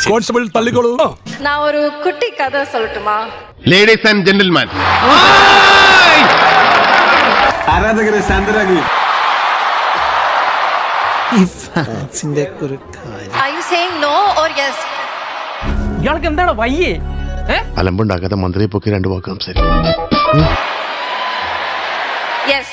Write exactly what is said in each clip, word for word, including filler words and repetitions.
Constable തള്ളിക്കോളൂ. நான் ஒரு குட்டி கதை சொல்லட்டுமா? ലേഡീസ് ആൻഡ് ജെന്റിൽമാൻ, ആരാധകരെ ശാന്തരാകുക. Are you saying no or yes? ഇയാൾക്ക് എന്താണ് വയ്യേ? അലമ്പുണ്ടാക്കാത്ത മന്ത്രിയെ പൊക്കി രണ്ടു വാക്ക് സംസാരിക്കും. Yes.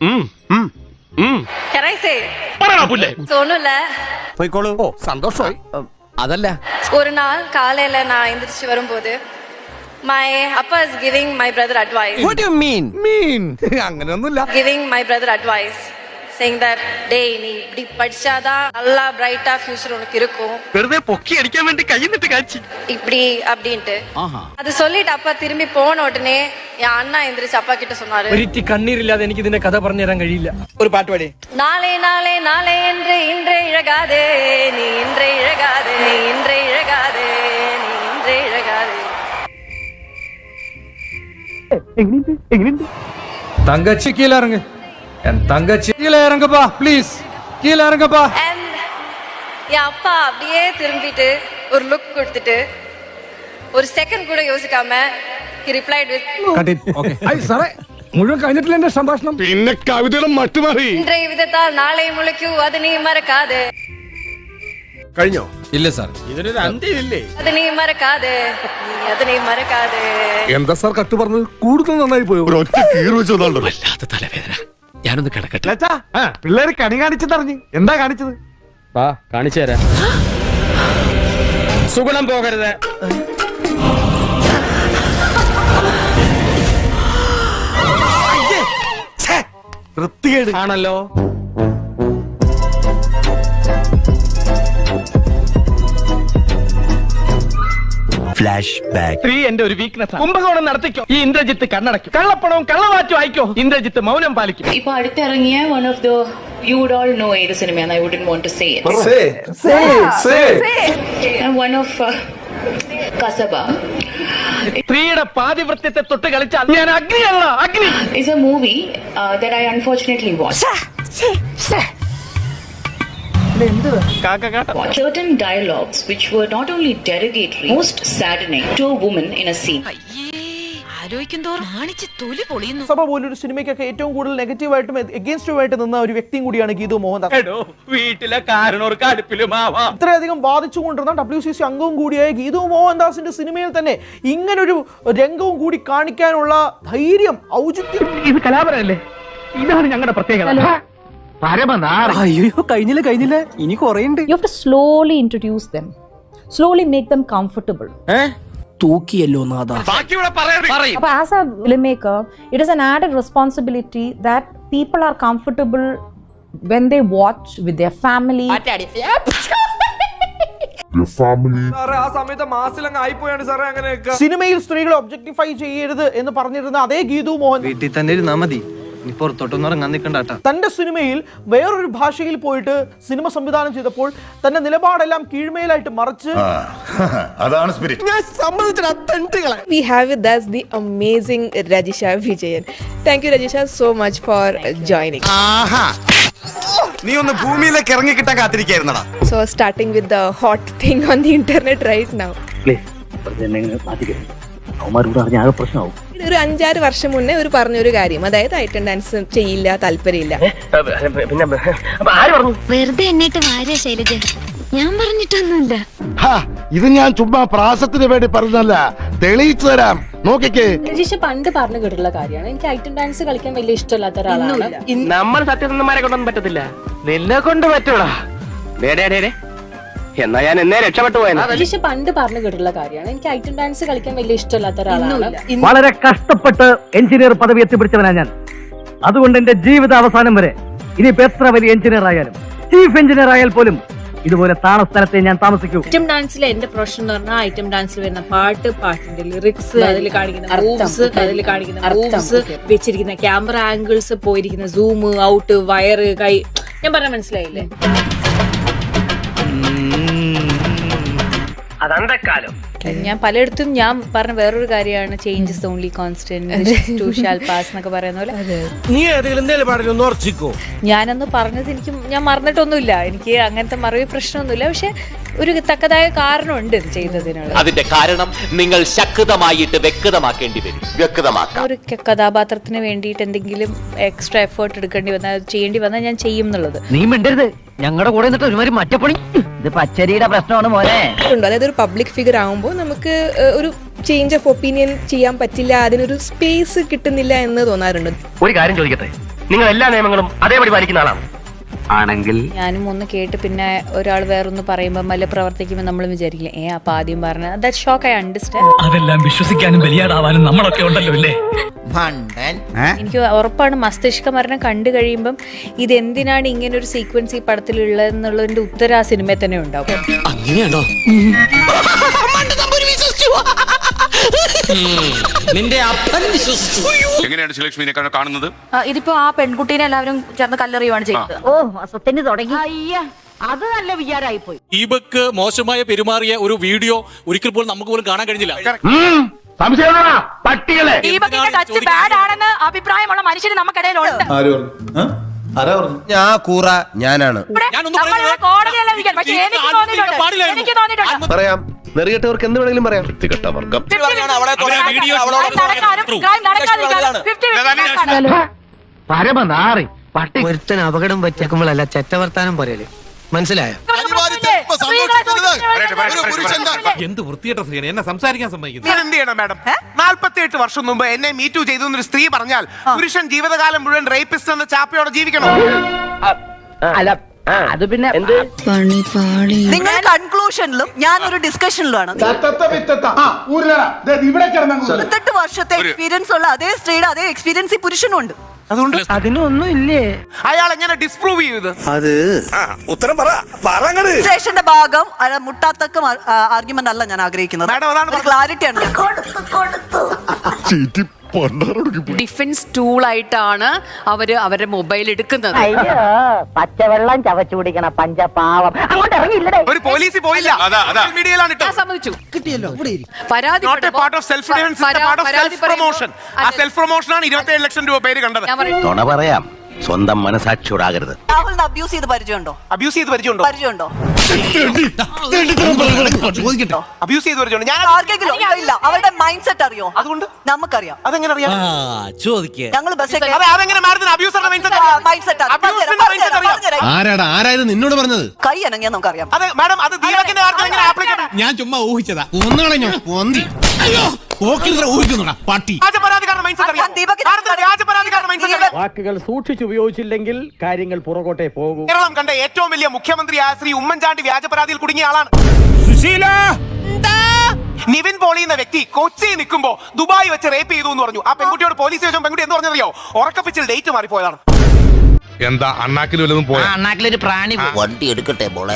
Can I say? തോന്നൂല. പോയിക്കോളൂ. ഓ സന്തോഷമായി. അതല്ല, ഒരു നാൾ കാലയില ഞാൻ എந்திരിച്ച് വരുമ്പോது my appa is giving my brother advice. what do you mean? മീൻ അങ്ങനെയൊന്നുമില്ല. Giving my brother advice saying that day நீ இப்படி படிச்சாதான் நல்லா பிரைட்டா ஃபியூச்சர் உனக்கு இருக்கும். വെറുതെ പൊക്കി അടിക്കാൻ വേണ്ടി കൈന്നിട്ട് കാച്ചി இப்படி அப்படின்ட்டு அது சொல்லிட்டு அப்பா திரும்பி போன உடனே என் அண்ணா எந்திரிச்சு அப்பா கிட்ட சொன்னாரு, ഒരിറ്റി കണ്ണീരില്ലാതെ എനിക്ക് ഇതിന്റെ കഥ പറഞ്ഞു തരാൻ കഴിയില്ല. ഒരു പാട്ട് പാടി. நாளே நாளே நாளே என்று இன்றே இழகாதே நீ இன்றே இழகாதே நீ இன்றே இழகாதே நீ இன்றே இழகாதே. தங்கச்சி கீழே இறங்கு. என் தங்கச்சி கீழே இறங்குப்பா ப்ளீஸ், கீழே இறங்குப்பா. And என் அப்பா அப்படியே திரும்பிட்டு ஒரு லுக் கொடுத்துட்டு ஒரு செகண்ட் கூட யோசிக்காம he replied with സാറേ മുഴുവൻ കഴിഞ്ഞിട്ടില്ല എന്റെ സംഭാഷണം. പിന്നെ കവിതയുടെ മട്ടുമാറി. இன்றைய விதத்தால் நாளை முளைக்கும் அது நீ மறக்காதே. കഴിഞ്ഞോ? ഇല്ല സാർ, ഇതിനൊരു അന്ത്യമില്ലേ? അത് നീ മറക്കാതെ നീ അത് നീ മറക്കാതെ. എന്താ സാർ കട്ട് പറഞ്ഞത്? കൂടുതൽ നന്നായി പോയോ? ഒറ്റ കീറ് വെച്ചോണ്ടോ. വല്ലാത്ത തലവേദന. ഞാനൊന്ന് കിടക്കട്ടെ. പിള്ളേര് കണി കാണിച്ചെന്നറിഞ്ഞ് എന്താ കാണിച്ചത്? വാ കാണിച്ചു തരാം. സുഗുണം പോകരുത്. വൃത്തികേട് ആണല്ലോ. സ്ത്രീ എന്റെ ഒരു വീക്ക്നെസ്. കുംഭകോണം നടത്തിക്കോ, ഈ ഇന്ദ്രജിത്ത് കണ്ണടയ്ക്കും. കള്ളപ്പണവും കള്ളവാറ്റും അയക്കോ, ഇന്ദ്രജിത്ത് മൗനം പാലിക്കും. ഇപ്പൊ അടുത്തിറങ്ങിയ one of the you would all know ഏത് സിനിമയാണ്. I wouldn't want to say it. One of Kasaba സ്ത്രീയുടെ പാതിവൃത്യത്തെ തൊട്ട് കളിച്ചാൽ ഞാൻ അഗ്നിയല്ല, അഗ്നി. Is a movie that I unfortunately watch. Certain dialogues which were not only derogatory, most saddening to a woman in a scene. സഭ പോലൊരു സിനിമയ്ക്കൊക്കെ ഏറ്റവും കൂടുതൽ നെഗറ്റീവായിട്ടും എഗെയിൻസ്റ്റുമായിട്ട് നിന്ന ഒരു വ്യക്തിയും കൂടിയാണ് ഗീതു മോഹൻദാസ്. വീട്ടിലെ കാരണവർക്ക് അടുപ്പിലുമാവാം. ഇത്രയധികം വാദിച്ചുകൊണ്ടിരുന്ന ഡബ്ല്യു സി സി അംഗവും കൂടിയായ ഗീതു മോഹൻദാസിന്റെ സിനിമയിൽ തന്നെ ഇങ്ങനൊരു രംഗവും കൂടി കാണിക്കാനുള്ള ധൈര്യം, ഔചിത്യം. ഇത് കലാപരല്ലേ? ഇതാണ് ഞങ്ങളുടെ പ്രത്യേകത. അയ്യോ കഴിഞ്ഞില്ല കഴിഞ്ഞില്ല ഇനി കുറേയുണ്ട്. You have to slowly introduce them, slowly make them comfortable. തൂക്കിയല്ലോ നാദാ. But as a filmmaker, it is an added responsibility that people are comfortable when they watch with their family. ആ സമയത്ത് മാസിലങ്ങ് ആയിപ്പോയാണ് സാറേ അങ്ങനെയൊക്കെ. സിനിമയിൽ സ്ത്രീകളെ ഒബ്ജക്ടിഫൈ ചെയ്യരുത് എന്ന് പറഞ്ഞിരുന്ന അതേ ഗീതു മോഹൻ വീട്ടിൽ തന്നെ ഇരുന്നാ മതി, നീ പുറത്തോട്ടൊന്നും ഇറങ്ങാൻ നിൽക്കണ്ടാട്ടാ. തന്റെ സിനിമയിൽ വേറൊരു ഭാഷയിൽ പോയിട്ട് സിനിമ സംവിധാനം ചെയ്തപ്പോൾ തന്റെ നിലപാടെല്ലാം കീഴ്മേലായിട്ട് മറിച്ച് അതാണ് spirit. We have with us the amazing Rajisha Vijayan. Thank you Rajisha so much for joining. നീ ഒന്ന് ഭൂമിയിലേക്ക് ഇറങ്ങി കിട്ടാൻ കാത്തിരിക്കായിരുന്നടാ. So starting with the hot thing on the internet right now. ഒരു അഞ്ചാറ് വർഷം മുന്നേ ഒരു പറഞ്ഞൊരു കാര്യം, അതായത് ഐറ്റം ഡാൻസ് ചെയ്യില്ല, താല്പര്യമില്ല. വെറുതെ എന്നിട്ട് വാര്യ ശൈലജ, ഞാൻ പറഞ്ഞിട്ടൊന്നുമില്ല. ഇത് ഞാൻ ചുമ്മാ പ്രാസത്തിന് വേണ്ടി പറഞ്ഞല്ല, തെളിയിച്ചു തരാം. നോക്കിക്കേ, രജിഷ പണ്ട് പറഞ്ഞു കേട്ടിട്ടുള്ള കാര്യമാണ്, എനിക്ക് ഐറ്റം ഡാൻസ് കളിക്കാൻ വലിയ ഇഷ്ടമില്ലാത്ത ഒരാളാണ്. നമ്മൾ സത്യസന്ധന്മാരെ കൊണ്ടൊന്നും പറ്റത്തില്ല, നിന്നെ കൊണ്ട് പറ്റൂടാ. എന്നാ ഞാൻ എന്നേ രക്ഷപ്പെട്ടു പോയത്. രജിഷ പണ്ട് പറഞ്ഞു കേട്ടിട്ടുള്ള കാര്യമാണ്, എനിക്ക് ഐറ്റം ഡാൻസ് കളിക്കാൻ വലിയ ഇഷ്ടമില്ലാത്ത ഒരാളാണ്. വളരെ കഷ്ടപ്പെട്ട് എഞ്ചിനീയർ പദവി എത്തിപ്പിടിച്ചവനാ ഞാൻ. അതുകൊണ്ട് എന്റെ ജീവിത അവസാനം വരെ ഇനിയിപ്പോ എത്ര വലിയ എഞ്ചിനീയർ ആയാലും, ചീഫ് എഞ്ചിനീയർ ആയാൽ പോലും ഇതുപോലെ താണ സ്ഥലത്തെ ഞാൻ താമസിക്കൂ. ഐറ്റം ഡാൻസിലെ എന്റെ പ്രൊഫഷൻ എന്ന് പറഞ്ഞാൽ ഐറ്റം ഡാൻസിൽ വരുന്ന പാട്ട്, പാട്ടിന്റെ ലിറിക്സ്, അതിൽ കാണിക്കുന്ന മൂവ്സ്, അതിൽ കാണിക്കുന്ന മൂവ്സ്, വെച്ചിരിക്കുന്ന ക്യാമറ ആംഗിൾസ്, പോയിരിക്കുന്ന സൂം ഔട്ട്, വയറ്, കൈ, ഞാൻ പറഞ്ഞ മനസ്സിലായില്ലേ? അതന്തക്കാലം ഞാൻ പലയിടത്തും ഞാൻ പറഞ്ഞ വേറൊരു കാര്യമാണ് change is only constant too shall pass എന്നൊക്കെ പറയുന്ന പോലെ. നീ ഏതെങ്കിലും പറഞ്ഞു ഉറച്ചിക്കോ? ഞാനന്ന് പറഞ്ഞത് എനിക്ക് ഞാൻ മറന്നിട്ടൊന്നുമില്ല, എനിക്ക് അങ്ങനത്തെ മറവി പ്രശ്നമൊന്നുമില്ല. പക്ഷെ ഒരു തക്കതായ കാരണമുണ്ട് ഇത് ചെയ്തതിനുള്ള. അതിന്റെ കാരണം നിങ്ങൾ ശക്തമായിട്ട് വ്യക്തമാക്കേണ്ടി വരും. വ്യക്തമാക്കാം. ഒരു കഥാപാത്രത്തിന് വേണ്ടിയിട്ട് എന്തെങ്കിലും എക്സ്ട്രാ എഫേർട്ട് എടുക്കേണ്ടി വന്നാൽ ചെയ്യേണ്ടി വന്നാൽ ഞാൻ ചെയ്യും എന്നുള്ളത്. നീ മിണ്ടരുത്, ഞങ്ങളുടെ കൂടെ നിന്നിട്ട് ഒരുമാതിരി മറ്റപ്പണി. ഇത് പച്ചരിയുടെ പ്രശ്നമാണ് മോനെ. അതായത് ഒരു പബ്ലിക് ഫിഗർ ആകുമ്പോൾ നമുക്ക് ഏഹ്, ഒരു ചേഞ്ച് ഓഫ് ഒപ്പീനിയൻ ചെയ്യാൻ പറ്റില്ല, അതിനൊരു സ്പേസ് കിട്ടുന്നില്ല എന്ന് തോന്നാറുണ്ട്. ഒരു കാര്യം ചോദിക്കട്ടെ, നിങ്ങൾ എല്ലാ നിയമങ്ങളും അതേപടി പാലിക്കുന്ന ആളാണ് ആണെങ്കിൽ? ഞാനും ഒന്ന് കേട്ട് പിന്നെ ഒരാൾ വേറൊന്ന് പറയുമ്പോൾ മല്ല പ്രവർത്തിക്കുമ്പോൾ നമ്മൾ വിചാരിക്കില്ല, ഏ അപ്പൊ ആദ്യം പറഞ്ഞ ദാറ്റ് ഷോക്ക് ഐ അണ്ടർസ്റ്റാൻഡ്. അതെല്ലാം വിശ്വസിക്കാനും ബലിയാടാവാനും നമ്മളൊക്കെ ഉണ്ടല്ലോ അല്ലേ? എനിക്ക് ഉറപ്പാണ് മസ്തിഷ്ക മരണം കണ്ടു കഴിയുമ്പം ഇത് എന്തിനാണ് ഇങ്ങനെ ഒരു സീക്വൻസ് ഈ പടത്തിലുള്ളതെന്നുള്ളതിന്റെ ഉത്തരം ആ സിനിമയിൽ തന്നെ ഉണ്ടാവും. അങ്ങനെയാണോ? നിന്റെ അപ്പൻ വിശ്വസിച്ചു. എങ്ങനെയാണ് ശ്രീലക്ഷ്മിനെ കാണുന്നത്? ഇതിപ്പോ ആ പെൺകുട്ടീനെ എല്ലാവരും ചേർന്ന് കല്ലെറിയുവാണ് ചെയ്തത്. ഓ അസത്തിന് തുടങ്ങി. അത് നല്ല വിചാരമായി പോയി. ഈ ബക്ക് മോശമായ പെരുമാറിയ ഒരു വീഡിയോ ഒരിക്കൽ പോലും നമുക്ക് പോലും കാണാൻ കഴിഞ്ഞില്ല. പട്ടികളെ ആണെന്ന് അഭിപ്രായമുള്ള മനുഷ്യന് നമുക്കിടയിലുണ്ട്. ഞാൻ കൂറ ഞാനാണ്. പറയാം, നെറികെട്ടവർക്ക് എന്ത് വേണമെങ്കിലും പറയാം. വൃത്തികെട്ട വർഗം. പരമനാറി പട്ടി. ഒരുത്തൻ അപകടം പറ്റിയാക്കുമ്പോഴല്ല ചെറ്റവർത്താനം പറയല്, മനസ്സിലായോ? എന്ത് വൃത്തികെട്ട സ്ത്രീയാണ് എന്നെ സംസാരിക്കാൻ സമ്മതിക്കുന്നത്? എന്ത് ചെയ്യണം മാഡം? നാല്പത്തി എട്ട് വർഷം മുമ്പ് എന്നെ മീറ്റു ചെയ്തു എന്നൊരു സ്ത്രീ പറഞ്ഞാൽ പുരുഷൻ ജീവിതകാലം മുഴുവൻ റേപ്പിസ്റ്റ് എന്ന ചാപ്പയോടെ ജീവിക്കണം. അല്ല അത് പിന്നെ നിങ്ങൾ കൺക്ലൂഷനിലും ഞാൻ ഒരു ഡിസ്കഷനിലുമാണ്. ഇരുപത്തെട്ട് വർഷത്തെ എക്സ്പീരിയൻസ് ഉള്ള അതേ സ്ത്രീയുടെ അതേ എക്സ്പീരിയൻസ് ഈ പുരുഷനും ഉണ്ട്. അതുകൊണ്ട് അതിനൊന്നും ഇല്ലേ? അയാൾ എങ്ങനെ ഡിസ്പ്രൂവ് ചെയ്ത്? അത് ഉത്തരം പറ. സ്റ്റേഷന്റെ ഭാഗം മുട്ടാത്തക്കം ആർഗ്യുമെന്റ് അല്ല ഞാൻ ആഗ്രഹിക്കുന്നത്. മാഡം അതാണ് ക്ലാരിറ്റിയാണ്. ഡിഫൻസ് ടൂൾ ആയിട്ടാണ് അവര് അവരുടെ മൊബൈൽ എടുക്കുന്നത്. അയ്യോ പച്ചവെള്ളം ചവച്ചു കുടിക്കണ പഞ്ചപാവം. അങ്ങോട്ട് ഇറങ്ങിയില്ലേ? ഒരു പോലീസ് പോയില്ല. മീഡിയയിലാണ് ഞാൻ സമ്മതിച്ചു. കിട്ടിയല്ലോ. പരാതി സെൽഫ് പ്രൊമോഷൻ ആണ് ഇരുപത്തിയേഴ് ലക്ഷം രൂപ പേര് കണ്ടത്. നുണ പറയാം, സ്വന്തം മനസാക്ഷിയോടാകരുത്. രാഹുലിന് അബ്യൂസ് ചെയ്ത് പരിചയമുണ്ടോ? അബ്യൂസ് ചെയ്ത് പരിചയമുണ്ടോ? പരിചയമുണ്ടോ? അബ്യൂസ് ചെയ്ത് പരിചയമുണ്ടോ? ഞാൻ ആർക്കെങ്കിലും ഇല്ല. അവരുടെ മൈൻഡ് സെറ്റ് അറിയോ? അതുകൊണ്ട് നമുക്കറിയാം. അതെങ്ങനെ അറിയാം? ചോദിക്കേ. ഞങ്ങൾ ബസ് അതെങ്ങനെ മാഡത്തിന് അബ്യൂസറുടെ മൈൻഡ് സെറ്റ്? മൈൻഡ് സെറ്റ് ആരാടാ ആരായത് നിന്നോട് പറഞ്ഞത്? കൈ അനങ്ങിയാൽ നമുക്കറിയാം. അതെ മാഡം, അത് ദീപകിന്റെ കാര്യത്തിൽ എങ്ങനെ ആപ്ലിക്കേഷൻ? ഞാൻ ചുമ്മാ ഊഹിച്ചതാ. ഒന്നുകളഞ്ഞോ പോന്തി. അയ്യോ ഊഹിക്കുന്നുടാ പട്ടി. രാജപരാധികാരുടെ മൈൻഡ് സെറ്റ് അറിയാം. ഭാരതത്തിലെ രാജപരാധികാരുടെ മൈൻഡ് സെറ്റ് അറിയാം. വാക്കുകൾ സൂക്ഷിച്ചുപയോഗിച്ചില്ലെങ്കിൽ കാര്യങ്ങൾ പുറകോട്ടെ പോകും. കേരളം കണ്ട ഏറ്റവും വലിയ മുഖ്യമന്ത്രിയായ ശ്രീ ഉമ്മൻചാണ്ടി വ്യാജപരാതിയിൽ കുടുങ്ങിയ ആളാണ്. നിവിൻ പോളി എന്ന വ്യക്തി കൊച്ചി നിൽക്കുമ്പോ ദുബായ് വെച്ച് റേപ്പ് ചെയ്തു എന്ന് പറഞ്ഞു. ആ പെൺകുട്ടിയോട് പോലീസ് ചോദിച്ചു, പെൺകുട്ടി എന്ന് പറഞ്ഞറിയോ? ഉറക്കപ്പിച്ചിൽ ഡേറ്റ് മാറിപ്പോയതാണ്. എന്താ അണ്ണാക്കിൽ വല്ലതും പോയ? അണ്ണാക്കിലൊരു പ്രാണി വണ്ടി എടുക്കട്ടെ മോളെ.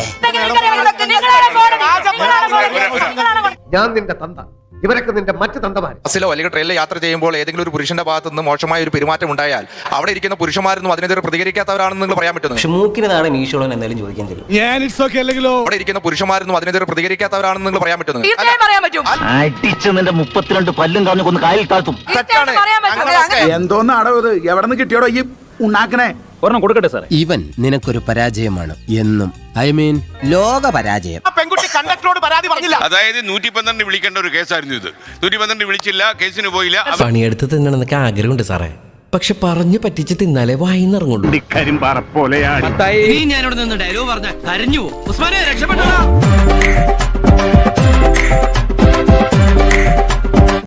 ഞാൻ നിന്റെ തന്ത, ഇവരൊക്കെ നിന്റെ മറ്റു തന്തമാര്. ബസ്സിലോ അല്ലെങ്കിൽ ട്രെയിനിലോ യാത്ര ചെയ്യുമ്പോൾ ഏതെങ്കിലും ഒരു പുരുഷന്റെ ഭാഗത്ത് നിന്ന് മോശമായ ഒരു പെരുമാറ്റം ഉണ്ടായാൽ അവിടെ ഇരിക്കുന്ന പുരുഷന്മാരൊന്നും അതിനെതിരെ പ്രതികരിക്കാത്തവരാണെന്ന് നിങ്ങൾ പറയാൻ പറ്റുന്നു. മൂക്കിനാണ് മീശോളൻ എന്തായാലും ചോദിക്കാൻ തരും. അവിടെ ഇരിക്കുന്ന പുരുഷന്മാരൊന്നും അതിനെതിരെ പ്രതികരിക്കാത്തവരാണെന്ന് നിങ്ങൾ പറയാൻ പറ്റുന്നു. അടിച്ച് നിന്റെ മുപ്പത്തിരണ്ട് പല്ലും കളഞ്ഞു കൊന്ന് കായൽ താഴ്ത്തും. എന്തോന്നാടോ ഇത്? എവിടെ നിന്ന് കിട്ടിയോടോ ഈ ഉണ്ടാക്കണേ? ഒരെണ്ണം കൊടുക്കട്ടെ സാറേ. ഇവൻ നിനക്കൊരു പരാജയമാണ് എന്നും. ഐ മീൻ ലോക പരാജയം. പെൺകുട്ടി കണ്ടക്ടറോട് പരാതി പറഞ്ഞില്ല. അതായത് നൂറ്റി പന്ത്രണ്ട് വിളിക്കേണ്ട ഒരു കേസായിരുന്നു ഇത്. നൂറ്റി പന്ത്രണ്ട് വിളിച്ചില്ല, കേസിന് പോയില്ല. പണിയെടുത്ത് തിന്നണമെന്നൊക്കെ ആഗ്രഹമുണ്ട് സാറേ, പക്ഷെ പറഞ്ഞു പറ്റിച്ച് തിന്നാലേ വായിന്നിറങ്ങുള്ളൂ. കരിമ്പാറ പോലെയാണ്. നീ ഞാനോട് നിന്ന് ഡയലോഗ് പറഞ്ഞ കരഞ്ഞു. ഉസ്മാനെ രക്ഷപ്പെട്ടോ.